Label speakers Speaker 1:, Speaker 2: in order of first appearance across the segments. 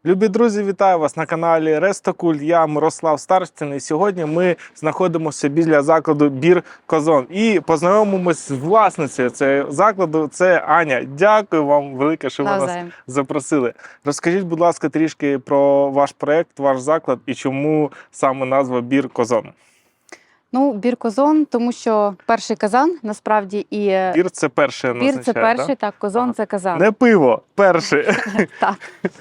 Speaker 1: Любі друзі, вітаю вас на каналі Рестокуль. Я Мирослав Старостін. І сьогодні ми знаходимося біля закладу Бір Козон. І познайомимося з власницею цього закладу. Це Аня. Дякую вам велике, що ви нас запросили. Розкажіть, будь ласка, трішки про ваш проєкт, ваш заклад і чому саме назва Бір Козон.
Speaker 2: Ну, Бір Козон, тому що перший казан, насправді, і...
Speaker 1: Бір – це перший,
Speaker 2: Бір – це перший, так, Козон – це казан.
Speaker 1: Не пиво, перший.
Speaker 2: Так.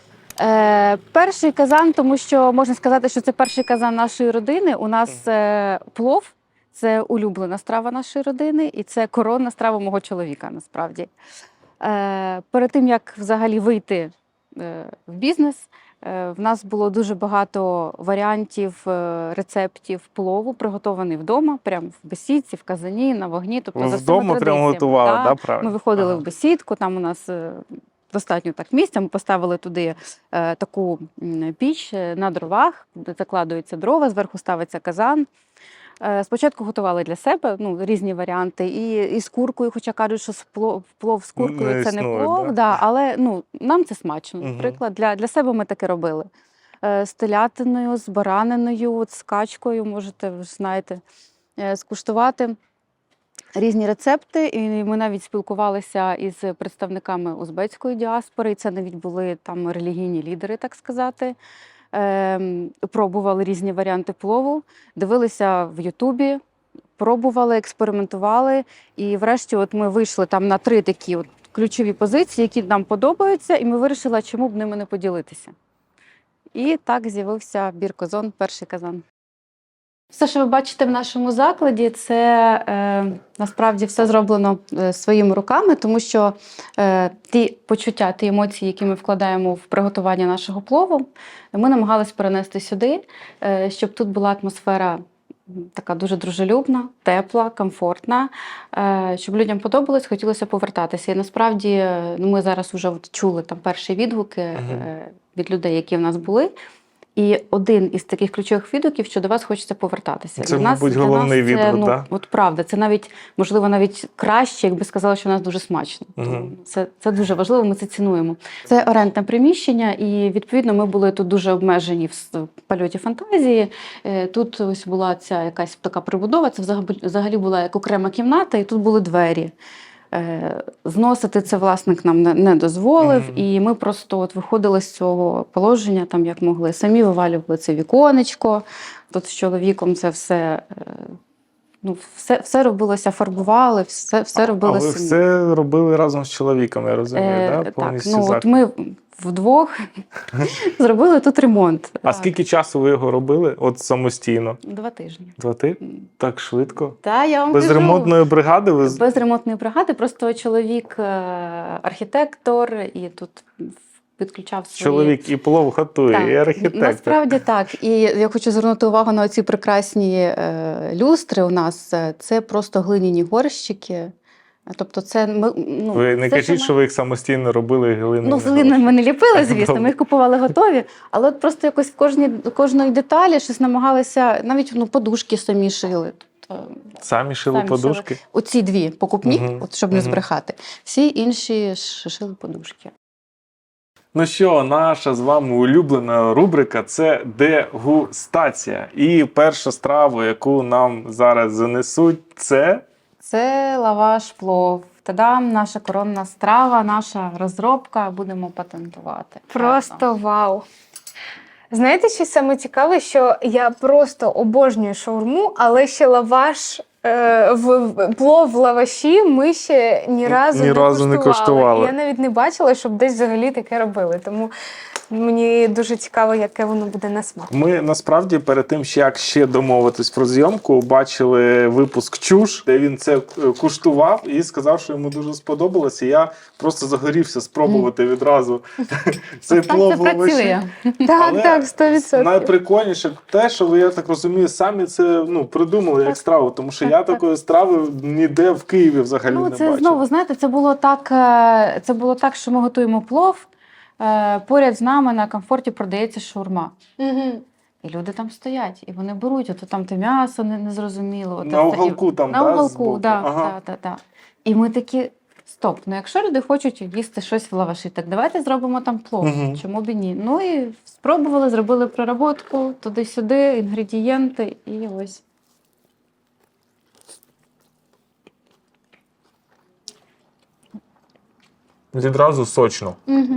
Speaker 2: Перший казан, тому що можна сказати, що це перший казан нашої родини. У нас плов – це улюблена страва нашої родини, і це коронна страва мого чоловіка, насправді. Перед тим, як взагалі вийти в бізнес, в нас було дуже багато варіантів, рецептів плову, приготований вдома, прямо в бесідці, в казані, на вогні. Тобто, за
Speaker 1: вдома прямо готували, да, правильно?
Speaker 2: Ми виходили в бесідку, там у нас достатньо так місця, ми поставили туди таку піч на дровах, де закладуються дрова, зверху ставиться казан. Спочатку готували для себе різні варіанти, і з куркою, хоча кажуть, що плов з куркою – це не плов, да, але нам це смачно. Наприклад, для себе ми таке робили. З телятиною, з бараниною, з качкою, можете, ви ж знаєте, скуштувати різні рецепти. І ми навіть спілкувалися із представниками узбецької діаспори, і це навіть були там релігійні лідери, так сказати. Пробували різні варіанти плову, дивилися в Ютубі, пробували, експериментували. І врешті от ми вийшли там на 3 такі ключові позиції, які нам подобаються, і ми вирішили, чому б ними не поділитися. І так з'явився Бір Козон, перший казан. Все, що ви бачите в нашому закладі, це насправді все зроблено своїми руками, тому що ті почуття, ті емоції, які ми вкладаємо в приготування нашого плову, ми намагалися перенести сюди, щоб тут була атмосфера така дуже дружелюбна, тепла, комфортна, щоб людям подобалось, хотілося повертатися. І насправді ми зараз вже чули там перші відгуки від людей, які в нас були. І один із таких ключових відгуків, що до вас хочеться повертатися.
Speaker 1: Це, мабуть, головний відгук, так?
Speaker 2: От правда, це навіть, можливо, навіть краще, якби сказали, що у нас дуже смачно. Це дуже важливо, ми це цінуємо. Це орендне приміщення, і, відповідно, ми були тут дуже обмежені в польоті фантазії. Тут ось була ця якась така прибудова, це взагалі була як окрема кімната, і тут були двері. Зносити це власник нам не дозволив, і ми просто виходили з цього положення, там як могли. Самі вивалювали це віконечко, тут з чоловіком це все робилося, фарбували, все робили самі.
Speaker 1: А ви все робили разом з чоловіком, я розумію, так?
Speaker 2: Так, от ми вдвох зробили тут ремонт.
Speaker 1: А скільки часу ви його робили от самостійно?
Speaker 2: 2 тижні.
Speaker 1: 2 тижні? Так швидко?
Speaker 2: Так, я вам
Speaker 1: Без
Speaker 2: кажу,
Speaker 1: ремонтної бригади?
Speaker 2: Без ремонтної бригади, просто чоловік архітектор, і тут підключав свої...
Speaker 1: Чоловік і плов готує, і архітектор.
Speaker 2: Насправді так. І я хочу звернути увагу на ці прекрасні люстри у нас. Це просто глиняні горщики. Тобто це
Speaker 1: ви не кажіть, що ви їх самостійно робили глиною?
Speaker 2: Глиною ми не ліпили, звісно, ми їх купували готові, але от просто якось в кожної деталі щось намагалися, навіть подушки самі шили.
Speaker 1: Самі шили подушки?
Speaker 2: Оці 2 покупні, щоб не збрехати. Всі інші шили подушки.
Speaker 1: Ну що, наша з вами улюблена рубрика – це дегустація. І перша страва, яку нам зараз занесуть, це...
Speaker 2: Це лаваш плов. Та-дам, наша коронна страва, наша розробка, будемо патентувати.
Speaker 3: Просто вау! Знаєте, що саме цікаве, що я просто обожнюю шаурму, але ще лаваш, плов в лаваші ми ще ні разу не куштували. Я навіть не бачила, щоб десь взагалі таке робили. Тому мені дуже цікаво, яке воно буде на смак.
Speaker 1: Ми насправді перед тим, як ще домовитись про зйомку, бачили випуск «Чуш», де він це куштував і сказав, що йому дуже сподобалося. Я просто загорівся спробувати відразу цей плов в лаваші.
Speaker 3: Так, 100%.
Speaker 1: Найприкольніше те, що ви, я так розумію, самі це придумали як страву, тому що я такої страви ніде в Києві взагалі не бачив.
Speaker 2: Це знову, знаєте, це було так, що ми готуємо плов, поряд з нами на комфорті продається шаурма. І люди там стоять, і вони беруть, ото там те м'ясо незрозуміло.
Speaker 1: На уголку там,
Speaker 2: так? На уголку, так. І ми такі, стоп, ну якщо люди хочуть їсти щось в лаваші, так давайте зробимо там плов.
Speaker 1: Мгм.
Speaker 2: Чому б і ні? Ну і спробували, зробили проработку, туди-сюди, інгредієнти і ось.
Speaker 1: Відразу сочно.
Speaker 3: Угу.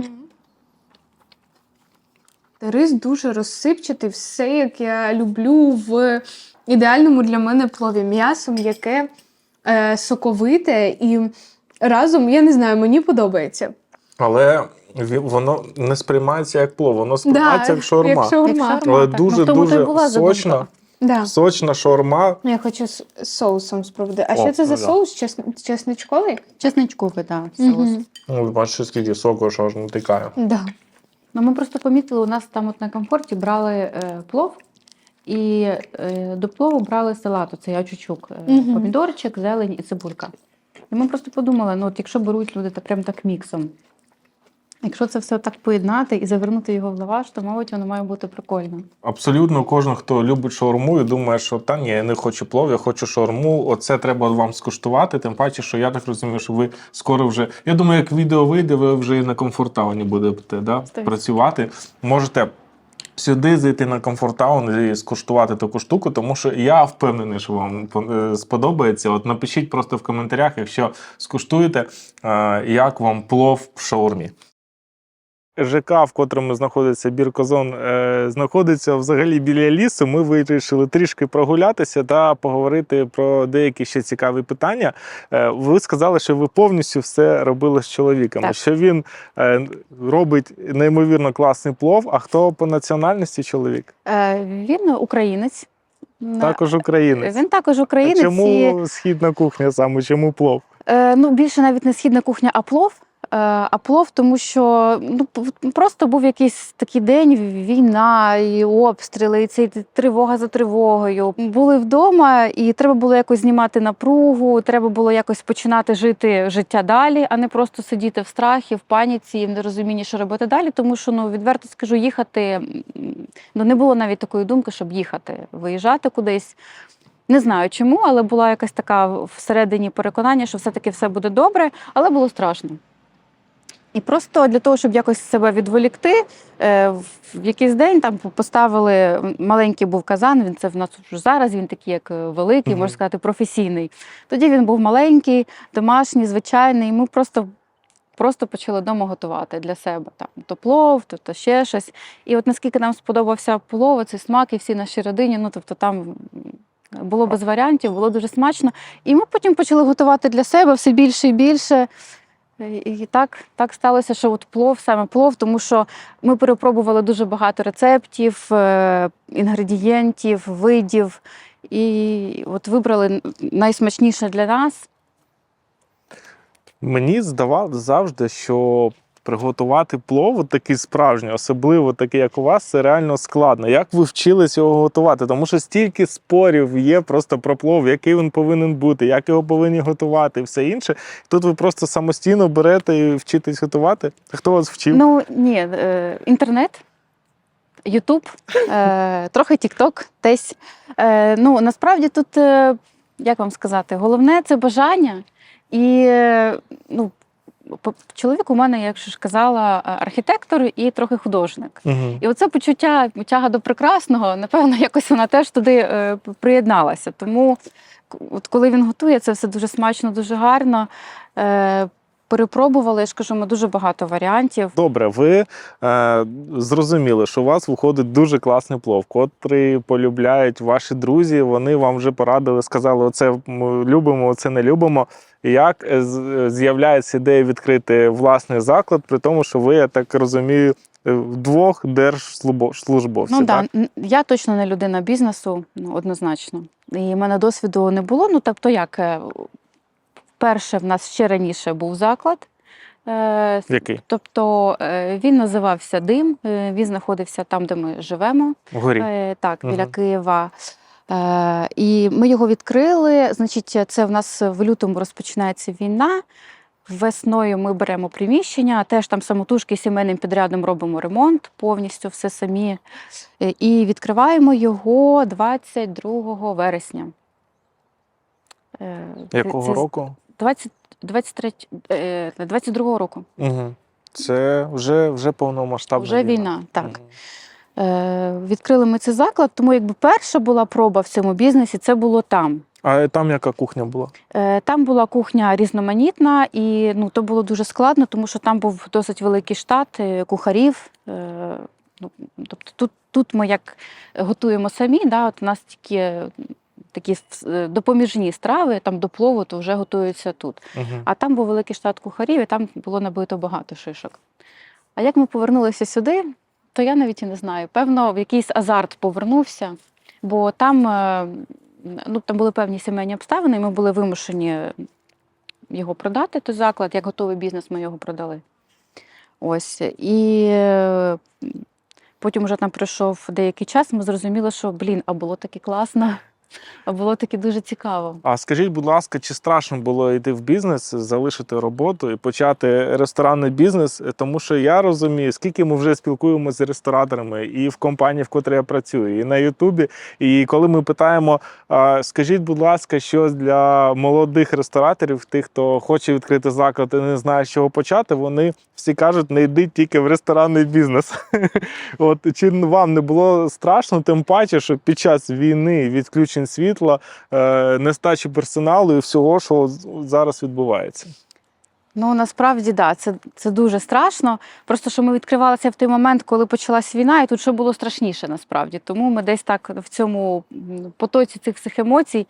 Speaker 3: Рис дуже розсипчатий, все, як я люблю в ідеальному для мене плові. М'ясо м'яке, соковите і разом, я не знаю, мені подобається.
Speaker 1: Але воно не сприймається як плов, воно сприймається як шаурма.
Speaker 3: Як шаурма.
Speaker 2: Як шаурма.
Speaker 1: Але
Speaker 2: так. Ну, в тому то й
Speaker 1: дуже-дуже
Speaker 2: була
Speaker 1: сочна,
Speaker 2: задумка.
Speaker 3: Да.
Speaker 1: сочна шаурма.
Speaker 3: Я хочу з соусом спробувати. А
Speaker 1: О,
Speaker 3: що це за
Speaker 1: ну да.
Speaker 3: соус? Чесничковий?
Speaker 2: Чесничковий, так, соус.
Speaker 3: Мгм.
Speaker 1: Ну, бачите, скільки соку, що аж натикає.
Speaker 3: Да.
Speaker 2: Ну, ми просто помітили, у нас там от на комфорті брали плов, і до плову брали салат, оцей ачучук,
Speaker 3: Мгм.
Speaker 2: помідорчик, зелень і цибулька. І ми просто подумали, ну от якщо беруть люди прям так міксом, якщо це все так поєднати і завернути його в лаваш, то, мабуть, воно має бути прикольно.
Speaker 1: Абсолютно кожен, хто любить шаурму і думає, що та ні, я не хочу плов, я хочу шаурму, оце треба вам скуштувати. Тим паче, що я так розумію, що ви скоро вже. Я думаю, як відео вийде, ви вже і на комфортауні будете працювати. Можете сюди зайти на комфортаун і скуштувати таку штуку, тому що я впевнений, що вам сподобається. От напишіть просто в коментарях, якщо скуштуєте, як вам плов в шаурмі. ЖК, в котрому знаходиться бір Козон, знаходиться взагалі біля лісу. Ми вирішили трішки прогулятися та поговорити про деякі ще цікаві питання. Ви сказали, що ви повністю все робили з чоловіком,
Speaker 2: Так.
Speaker 1: що він робить неймовірно класний плов. А хто по національності чоловік?
Speaker 2: Він українець.
Speaker 1: Також українець.
Speaker 2: Він також
Speaker 1: А
Speaker 2: українець.
Speaker 1: чому східна кухня саме? Чому плов?
Speaker 2: Ну, більше навіть не східна кухня, а плов. А плов, тому що просто був якийсь такий день, війна, і обстріли, і цей тривога за тривогою. Були вдома, і треба було якось знімати напругу, треба було якось починати жити життя далі, а не просто сидіти в страхі, в паніці, в нерозумінні, що робити далі. Тому що, відверто скажу, їхати, не було навіть такої думки, щоб їхати, виїжджати кудись. Не знаю чому, але була якась така всередині переконання, що все-таки все буде добре, але було страшно. І просто для того, щоб якось себе відволікти, в якийсь день там поставили, маленький був казан, це в нас вже зараз, він такий як великий, можна сказати, професійний. Тоді він був маленький, домашній, звичайний, і ми просто почали вдома готувати для себе. Там, то плов, то ще щось. І от наскільки нам сподобався плов, цей смак і всій нашій родині, там було без варіантів, було дуже смачно. І ми потім почали готувати для себе все більше і більше. І так сталося, що от саме плов, тому що ми перепробували дуже багато рецептів, інгредієнтів, видів, і от вибрали найсмачніше для нас.
Speaker 1: Мені здавалося завжди, що приготувати плов такий справжній, особливо такий, як у вас, це реально складно. Як ви вчились його готувати? Тому що стільки спорів є просто про плов, який він повинен бути, як його повинні готувати і все інше. Тут ви просто самостійно берете і вчитесь готувати? Хто вас вчив?
Speaker 2: Ні, інтернет, Ютуб, трохи Тік-Ток, десь. Насправді тут, як вам сказати, головне – це бажання. І, чоловік у мене, як ж казала, архітектор і трохи художник.
Speaker 1: Угу.
Speaker 2: І оце почуття, тяга до прекрасного, напевно, якось вона теж туди приєдналася. Тому, от коли він готує, це все дуже смачно, дуже гарно. Перепробували, я ж кажу, ми дуже багато варіантів.
Speaker 1: Добре, ви зрозуміли, що у вас виходить дуже класний плов, котрий полюбляють ваші друзі, вони вам вже порадили, сказали, оце ми любимо, оце не любимо. Як з'являється ідея відкрити власний заклад, при тому, що ви, я так розумію, вдвох держслужбовці, так?
Speaker 2: Я точно не людина бізнесу, однозначно. І в мене досвіду не було, тобто як... Перше, в нас ще раніше був заклад.
Speaker 1: Який?
Speaker 2: Тобто він називався «Дим», він знаходився там, де ми живемо.
Speaker 1: Вгорі?
Speaker 2: Так, біля Києва. І ми його відкрили, значить, це в нас в лютому розпочинається війна. Весною ми беремо приміщення, теж там самотужки сімейним підрядом робимо ремонт, повністю все самі. І відкриваємо його 22 вересня.
Speaker 1: Якого року?
Speaker 2: 22-го року.
Speaker 1: Угу. Це вже повномасштабна
Speaker 2: Вже війна, так. Відкрили ми цей заклад, тому якби перша була проба в цьому бізнесі, це було там.
Speaker 1: А там яка кухня була?
Speaker 2: Там була кухня різноманітна, і то було дуже складно, тому що там був досить великий штат кухарів. Тобто тут ми як готуємо самі, от у нас тільки такі допоміжні страви, там до плову, то вже готуються тут. А там був великий штат кухарів, і там було набито багато шишок. А як ми повернулися сюди, то я навіть і не знаю. Певно, в якийсь азарт повернувся, бо там були певні сімейні обставини, і ми були вимушені його продати, той заклад. Як готовий бізнес ми його продали. Ось. І потім вже там пройшов деякий час, ми зрозуміли, що, а було таки класно. А було таки дуже цікаво.
Speaker 1: А скажіть, будь ласка, чи страшно було йти в бізнес, залишити роботу і почати ресторанний бізнес? Тому що я розумію, скільки ми вже спілкуємося з рестораторами і в компанії, в котрій я працюю, і на Ютубі. І коли ми питаємо, скажіть, будь ласка, щось для молодих рестораторів, тих, хто хоче відкрити заклад і не знає, з чого почати, вони всі кажуть, не йдіть тільки в ресторанний бізнес. От, чи вам не було страшно, тим паче, що під час війни, відключень світла, нестачі персоналу і всього, що зараз відбувається?
Speaker 2: Насправді, це дуже страшно. Просто, що ми відкривалися в той момент, коли почалась війна, і тут ще було страшніше, насправді. Тому ми десь так в цьому потоці цих всіх емоцій.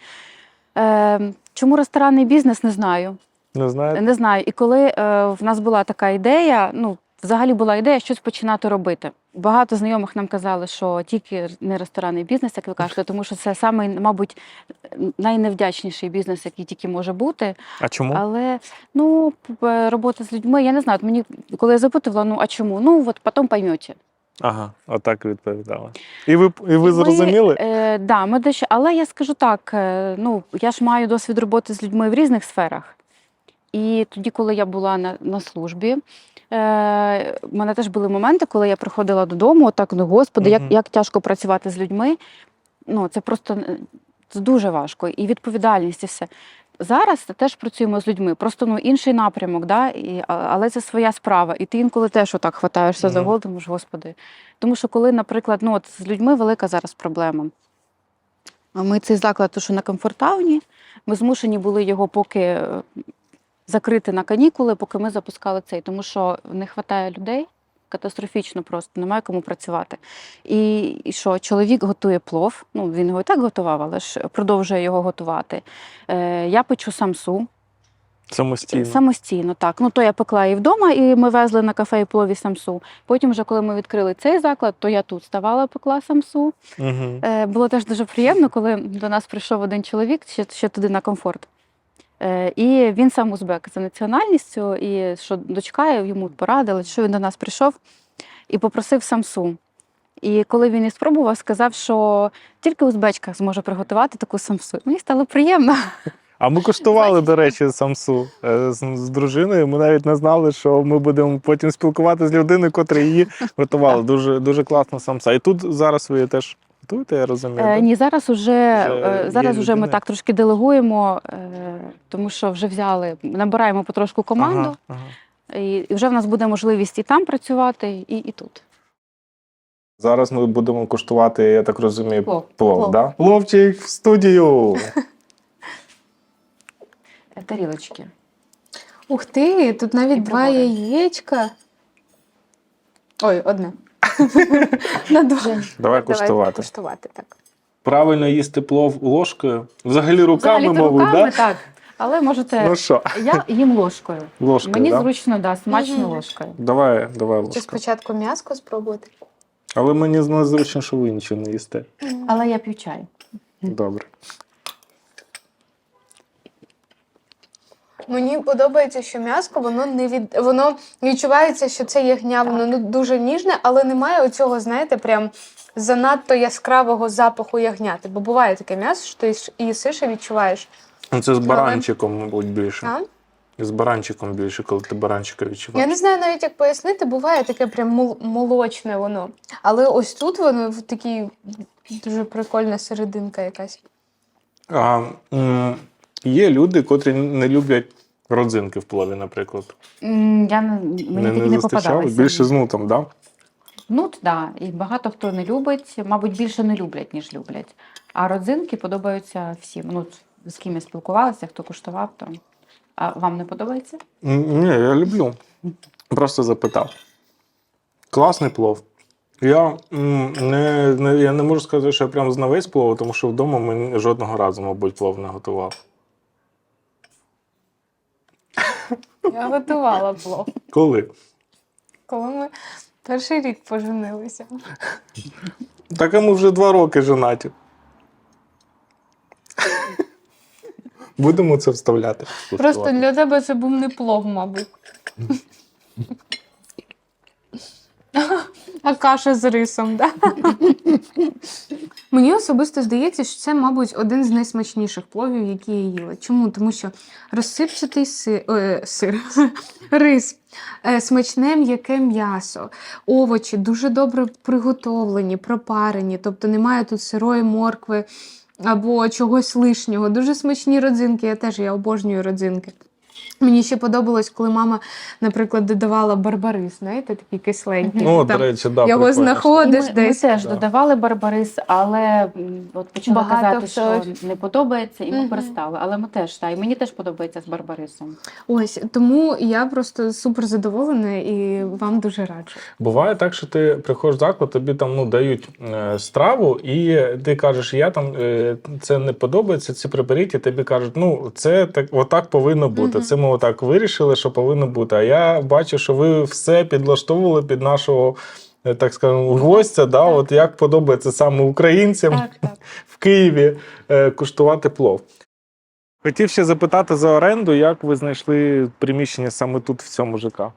Speaker 2: Чому ресторанний бізнес, не знаю.
Speaker 1: Не знаєте?
Speaker 2: Не знаю. І коли в нас була така ідея, взагалі була ідея щось починати робити. Багато знайомих нам казали, що тільки не ресторанний бізнес, як ви кажете, тому що це самий, мабуть, найневдячніший бізнес, який тільки може бути.
Speaker 1: А чому?
Speaker 2: Але, робота з людьми, я не знаю, мені, коли я запитувала, а чому? Потім поймете.
Speaker 1: Ага, отак відповідала. І ви зрозуміли?
Speaker 2: Ми дещо, але я скажу так, я ж маю досвід роботи з людьми в різних сферах. І тоді, коли я була на службі, в мене теж були моменти, коли я приходила додому, Господи, як тяжко працювати з людьми. Це просто це дуже важко. І відповідальність, і все. Зараз теж працюємо з людьми, просто інший напрямок, але це своя справа. І ти інколи теж отак хватаєшся за голову, думаєш, Господи. Тому що коли, наприклад, з людьми велика зараз проблема. Ми цей заклад, що на Комфорт-тауні, ми змушені були його поки закрити на канікули, поки ми запускали цей, тому що не вистачає людей, катастрофічно просто, немає кому працювати. І що, чоловік готує плов, він його і так готував, але ж продовжує його готувати. Я печу самсу.
Speaker 1: Самостійно?
Speaker 2: Самостійно, так. То я пекла і вдома, і ми везли на кафе і плові самсу. Потім вже, коли ми відкрили цей заклад, то я тут ставала, пекла самсу. Було теж дуже приємно, коли до нас прийшов один чоловік, ще туди на Комфорт. І він сам узбек за національністю, і що дочка йому порадила, що він до нас прийшов і попросив самсу. І коли він її спробував, сказав, що тільки узбечка зможе приготувати таку самсу. Мені стало приємно.
Speaker 1: А ми куштували, до речі, самсу з дружиною. Ми навіть не знали, що ми будемо потім спілкуватися з людиною, котра її готувала. Дуже, дуже класна самса. І тут зараз ви теж готуєте, я розумію?
Speaker 2: Ні, зараз уже ми так трошки делегуємо, тому що вже набираємо потрошку команду. І вже в нас буде можливість і там працювати, і тут.
Speaker 1: Зараз ми будемо куштувати, я так розумію, плов. Да?
Speaker 2: Пловчик
Speaker 1: в студію!
Speaker 2: Тарілочки.
Speaker 3: Ух ти, тут навіть 2 яєчка. Ой, одне.
Speaker 1: Давай куштувати.
Speaker 3: Так.
Speaker 1: Правильно їсти плов ложкою? Взагалі руками, мабуть, так?
Speaker 2: Так. Але можете...
Speaker 1: що?
Speaker 2: Я їм ложкою.
Speaker 1: Ложкою,
Speaker 2: Мені
Speaker 1: да?
Speaker 2: зручно, смачно ложкою.
Speaker 1: Давай
Speaker 3: Чи
Speaker 1: ложкою.
Speaker 3: спочатку м'яско спробувати?
Speaker 1: Але мені незручно, що ви нічого не їсте.
Speaker 2: Але я п'ю чай.
Speaker 1: Добре.
Speaker 3: Мені подобається, що м'яско, воно відчувається, що це ягня, воно дуже ніжне, але немає оцього, знаєте, прям занадто яскравого запаху ягняти. Бо буває таке м'ясо, що ти їсиш і відчуваєш.
Speaker 1: Це з баранчиком, мабуть, більше.
Speaker 3: А?
Speaker 1: З баранчиком більше, коли ти баранчика відчуваєш.
Speaker 3: Я не знаю навіть, як пояснити, буває таке прям молочне воно. Але ось тут воно в такій дуже прикольна серединка якась.
Speaker 1: Є люди, котрі не люблять Родзинки в плові, наприклад.
Speaker 2: Мені такі не
Speaker 1: зустрічали?
Speaker 2: попадалися.
Speaker 1: Більше з нутом, да?
Speaker 2: Нут, да. І багато хто не любить, мабуть, більше не люблять, ніж люблять. А родзинки подобаються всім. Ну, з ким я спілкувалася, хто куштував, то. А вам не подобається?
Speaker 1: Ні, я люблю. Просто запитав. Класний плов. Я не можу сказати, що я прям знавець плову, тому що вдома ми жодного разу, мабуть, плов не готував.
Speaker 3: Я готувала плов,
Speaker 1: Коли?
Speaker 3: коли ми перший рік поженилися.
Speaker 1: Так а ми вже 2 роки женаті. Будемо це вставляти.
Speaker 3: Просто для тебе це був не плов, мабуть. А каша з рисом, так? Мені особисто здається, що це, мабуть, один з найсмачніших пловів, які я їла. Чому? Тому що розсипчатий рис, смачне м'яке м'ясо, овочі дуже добре приготовлені, пропарені, тобто немає тут сирої моркви або чогось лишнього. Дуже смачні родзинки, я обожнюю родзинки. Мені ще подобалось, коли мама, наприклад, додавала барбарис, знаєте, такий кисленький.
Speaker 1: Ну, до
Speaker 3: Там
Speaker 1: речі, да,
Speaker 3: його
Speaker 1: прикольно.
Speaker 3: знаходиш
Speaker 2: Ми
Speaker 3: десь.
Speaker 2: теж
Speaker 1: Да.
Speaker 2: додавали барбарис, але от почали
Speaker 3: Багато
Speaker 2: казати,
Speaker 3: хто
Speaker 2: що не подобається, і ми
Speaker 3: Мгм.
Speaker 2: перестали. Але ми теж, і мені теж подобається з барбарисом.
Speaker 3: Ось, тому я просто супер задоволена і вам дуже раджу.
Speaker 1: Буває так, що ти приходиш в заклад, тобі там дають страву, і ти кажеш, я там це не подобається, це приберіть, і тобі кажуть, це так, отак повинно бути.
Speaker 3: Мгм.
Speaker 1: Це ми отак вирішили, що повинно бути. А я бачу, що ви все підлаштовували під нашого, так скажемо, гостя, да, от як подобається саме українцям
Speaker 2: Так.
Speaker 1: в Києві куштувати плов. Хотів ще запитати за оренду, як ви знайшли приміщення саме тут, в цьому ЖК?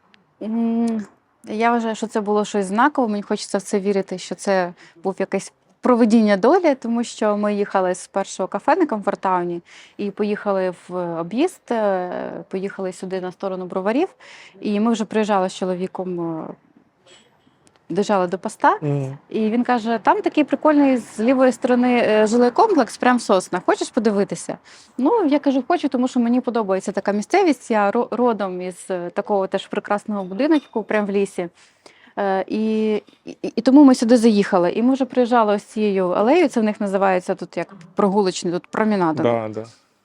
Speaker 2: Я вважаю, що це було щось знакове. Мені хочеться в це вірити, що це був якесь провидіння долі, тому що ми їхали з першого кафе на Комфортауні і поїхали в об'їзд, поїхали сюди на сторону Броварів, і ми вже приїжджали з чоловіком, доїжджали до поста, і він каже, там такий прикольний з лівої сторони жилий комплекс, прям в Соснах. Хочеш подивитися? Ну, я кажу, хочу, тому що мені подобається така місцевість. Я родом із такого теж прекрасного будиночку, прямо в лісі. І тому ми сюди заїхали. І ми вже приїжджали ось цією алеєю, це в них називається тут як прогулочний, тут промінада.
Speaker 1: Да.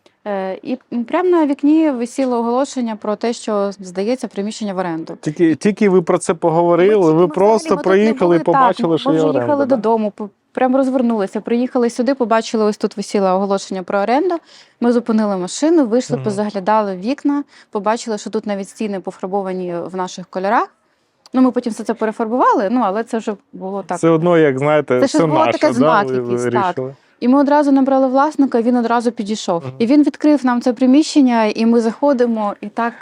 Speaker 2: І прямо на вікні висіло оголошення про те, що здається приміщення в оренду.
Speaker 1: Тільки ви про це поговорили, ви просто проїхали і побачили, що
Speaker 2: ми
Speaker 1: є
Speaker 2: вже
Speaker 1: оренда.
Speaker 2: їхали
Speaker 1: Да?
Speaker 2: додому, прямо розвернулися, приїхали сюди, побачили, ось тут висіло оголошення про оренду. Ми зупинили машину, вийшли,
Speaker 1: Мгм.
Speaker 2: позаглядали в вікна, побачили, що тут навіть стіни пофарбовані в наших кольорах. Ну, ми потім все це перефарбували, але це вже було так.
Speaker 1: Все одно, як знаєте,
Speaker 2: Це
Speaker 1: все
Speaker 2: щось було
Speaker 1: наше,
Speaker 2: таке знак
Speaker 1: ви
Speaker 2: якийсь,
Speaker 1: вирішили.
Speaker 2: І ми одразу набрали власника, він одразу підійшов.
Speaker 1: Мгм.
Speaker 2: І він відкрив нам це приміщення, і ми заходимо, і так,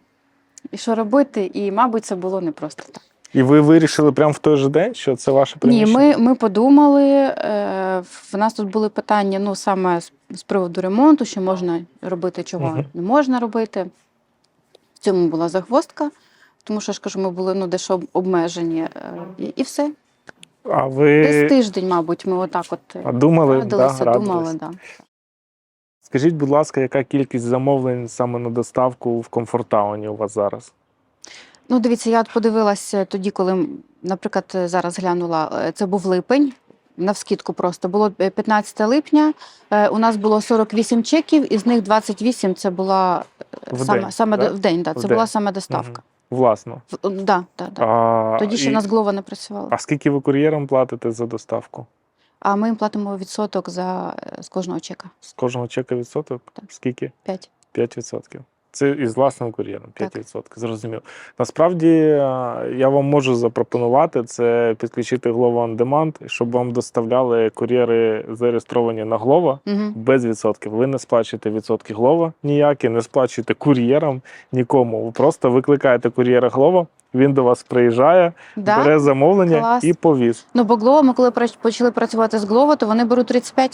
Speaker 2: і що робити, і, мабуть, це було не просто так.
Speaker 1: І ви вирішили прямо в той же день, що це ваше
Speaker 2: Ні,
Speaker 1: приміщення?
Speaker 2: ми подумали, в нас тут були питання, саме з приводу ремонту, що можна робити, чого
Speaker 1: Мгм.
Speaker 2: не можна робити. В цьому була загвоздка, тому що, я ж кажу, ми були дещо обмежені, і все.
Speaker 1: А ви
Speaker 2: Десь тиждень, мабуть, ми отак
Speaker 1: думали,
Speaker 2: радилися,
Speaker 1: радились.
Speaker 2: думали, да.
Speaker 1: Скажіть, будь ласка, яка кількість замовлень саме на доставку в Комфортауні у вас зараз?
Speaker 2: Ну, дивіться, я от подивилася тоді, коли, наприклад, зараз глянула, це був липень, навскидку просто. Було 15 липня, у нас було 48 чеків, із них 28 це була
Speaker 1: В день, да?
Speaker 2: в день, да,
Speaker 1: В
Speaker 2: це
Speaker 1: день.
Speaker 2: була саме доставка.
Speaker 1: Власно.
Speaker 2: Да. Тоді ще в нас Глова не працювала.
Speaker 1: А скільки ви кур'єрам платите за доставку?
Speaker 2: А ми їм платимо відсоток з кожного чека.
Speaker 1: З кожного чека відсоток?
Speaker 2: Так.
Speaker 1: Скільки?
Speaker 2: 5.
Speaker 1: 5%. Це із власним кур'єром, 5%. Зрозуміло. Насправді, я вам можу запропонувати це підключити Glovo On Demand, щоб вам доставляли кур'єри, зареєстровані на Glovo,
Speaker 2: Угу.
Speaker 1: без відсотків. Ви не сплачуєте відсотки Glovo ніякі, не сплачуєте кур'єрам нікому. Ви просто викликаєте кур'єра Glovo, він до вас приїжджає, бере
Speaker 2: Да?
Speaker 1: замовлення
Speaker 2: Клас.
Speaker 1: і повіз.
Speaker 2: Ну, бо Глова, ми коли почали працювати з Глова, то вони беруть 35.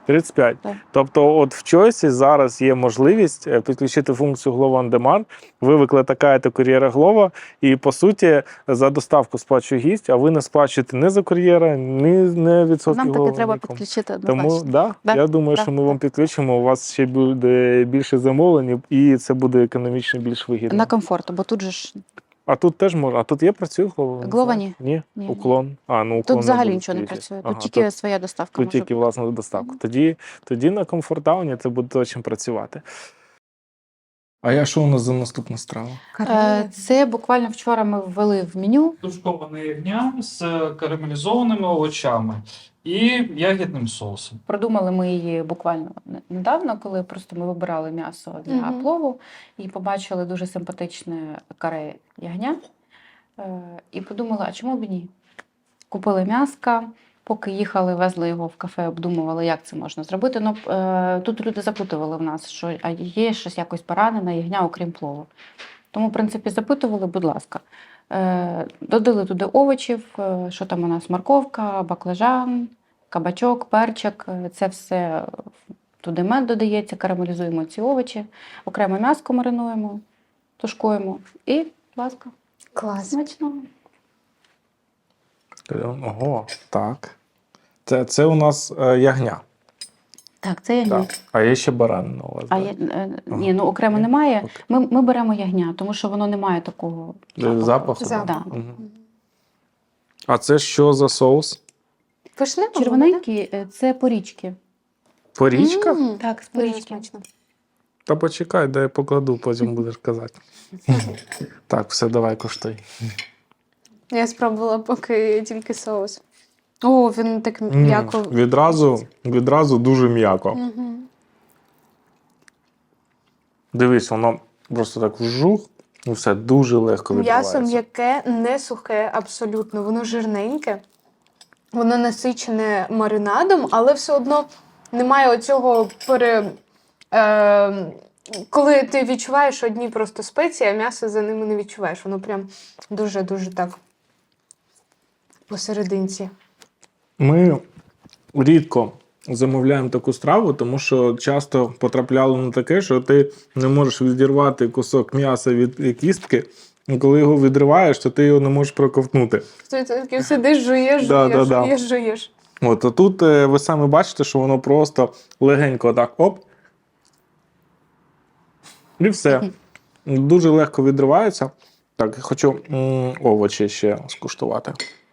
Speaker 1: 35.
Speaker 2: Так.
Speaker 1: Тобто от в Choice зараз є можливість підключити функцію Glovo on Demand. Ви викликаєте кур'єра Glovo і, по суті, за доставку сплачує гість, а ви не сплачуєте ні за кур'єра, ні відсотки
Speaker 2: Нам таки
Speaker 1: Glovo,
Speaker 2: треба
Speaker 1: нікому.
Speaker 2: підключити
Speaker 1: Тому
Speaker 2: однозначно.
Speaker 1: да,
Speaker 2: Да,
Speaker 1: я думаю,
Speaker 2: да,
Speaker 1: що ми
Speaker 2: да.
Speaker 1: вам підключимо, у вас ще буде більше замовлень, і це буде економічно більш вигідно.
Speaker 2: На комфорт, бо тут же ж
Speaker 1: А тут теж можна. А тут є працює Glovo?
Speaker 2: Glovo ні.
Speaker 1: Ні?
Speaker 2: Ні.
Speaker 1: Уклон. А, ну уклон
Speaker 2: тут
Speaker 1: не
Speaker 2: взагалі
Speaker 1: буде
Speaker 2: нічого не
Speaker 1: стоїти.
Speaker 2: працює.
Speaker 1: Ага,
Speaker 2: Тут тільки своя доставка
Speaker 1: тут
Speaker 2: може
Speaker 1: тільки
Speaker 2: бути.
Speaker 1: власна доставка.
Speaker 2: Мгм.
Speaker 1: Тоді на комфортауні це буде точно працювати. А я що у нас за наступна страва?
Speaker 2: Це буквально вчора ми ввели в меню.
Speaker 4: Тушковане ягня з карамелізованими овочами і ягідним соусом.
Speaker 2: Продумали ми її буквально недавно, коли просто ми вибирали м'ясо для
Speaker 3: Мгм.
Speaker 2: плову і побачили дуже симпатичне каре ягня. І подумали, а чому б і ні? Купили м'яска, поки їхали, везли його в кафе, обдумували, як це можна зробити. Ну, тут люди запитували в нас, що а є щось якось баранина, ягня, окрім плову. Тому, в принципі, запитували, будь ласка. Додали туди овочів, що там у нас морковка, баклажан, кабачок, перчик. Це все туди мед додається, карамелізуємо ці овочі, окремо м'яско маринуємо, тушкуємо і, будь ласка,
Speaker 3: Клас.
Speaker 2: смачного.
Speaker 1: Ого, так. Це у нас ягня.
Speaker 2: Так, це ягня.
Speaker 1: Так. А є ще баранина у вас.
Speaker 2: А
Speaker 1: да?
Speaker 2: ні, ну окремо немає.
Speaker 1: Окей.
Speaker 2: Ми беремо ягня, тому що воно не має такого
Speaker 1: Запаху?
Speaker 3: Запаху.
Speaker 2: Да.
Speaker 1: Мгм. А це що за соус?
Speaker 3: Вишневого,
Speaker 2: Червоненькі це порічки.
Speaker 1: Порічка?
Speaker 3: М,
Speaker 2: Так, з
Speaker 3: Дуже
Speaker 2: порічки.
Speaker 3: смачно.
Speaker 1: Та почекай, дай я покладу, потім будеш казати. Так, все, давай коштуй.
Speaker 3: Я спробувала поки тільки соус. О, він так м'яко.
Speaker 1: Відразу дуже м'яко.
Speaker 3: Мгм.
Speaker 1: Дивись, воно просто так вжух, і все дуже легко
Speaker 3: М'ясо
Speaker 1: відбувається.
Speaker 3: м'яке, не сухе абсолютно. Воно жирненьке, воно насичене маринадом, але все одно немає оцього коли ти відчуваєш одні просто спеції, а м'ясо за ними не відчуваєш. Воно прям дуже-дуже так посерединці.
Speaker 1: Ми рідко замовляємо таку страву, тому що часто потрапляло на таке, що ти не можеш відірвати кусок м'яса від кістки, і коли його відриваєш, то ти його не можеш проковтнути.
Speaker 3: Ти такий сидиш, жуєш,
Speaker 1: Да,
Speaker 3: жуєш,
Speaker 1: да, да.
Speaker 3: жуєш, жуєш.
Speaker 1: От, а тут ви самі бачите, що воно просто легенько так оп. І все. Дуже легко відривається. Так, хочу овочі ще скуштувати.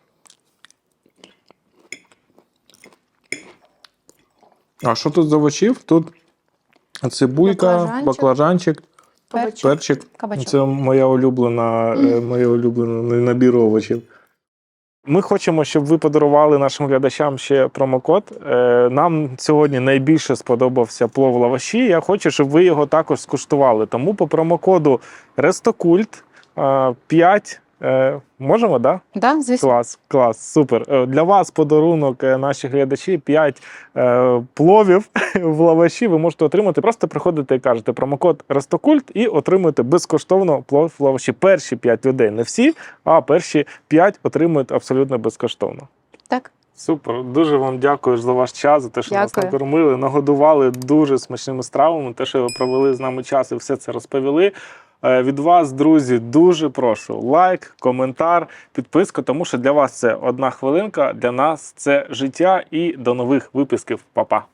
Speaker 1: А що тут з овочів? Тут цибулька, баклажанчик, перчик.
Speaker 2: Кабачок.
Speaker 1: Це моя моє улюблений набір овочів. Ми хочемо, щоб ви подарували нашим глядачам ще промокод. Нам сьогодні найбільше сподобався плов в лаваші. Я хочу, щоб ви його також скуштували. Тому по промокоду Рестокульт 5. Можемо, так? Да?
Speaker 2: Да, звісно.
Speaker 1: Клас, супер. Для вас подарунок, наші глядачі, 5 пловів в лаваші ви можете отримати. Просто приходите і кажете промокод Рестокульт і отримуєте безкоштовно плов в лаваші. Перші 5 людей, не всі, а перші 5 отримують абсолютно безкоштовно.
Speaker 2: Так.
Speaker 1: Супер, дуже вам дякую за ваш час, за те, що нас
Speaker 2: Дякую.
Speaker 1: накормили, нагодували дуже смачними стравами, те, що ви провели з нами час і все це розповіли. Від вас, друзі, дуже прошу лайк, коментар, підписку, тому що для вас це 1 хвилинка, для нас це життя і до нових випусків. Па-па!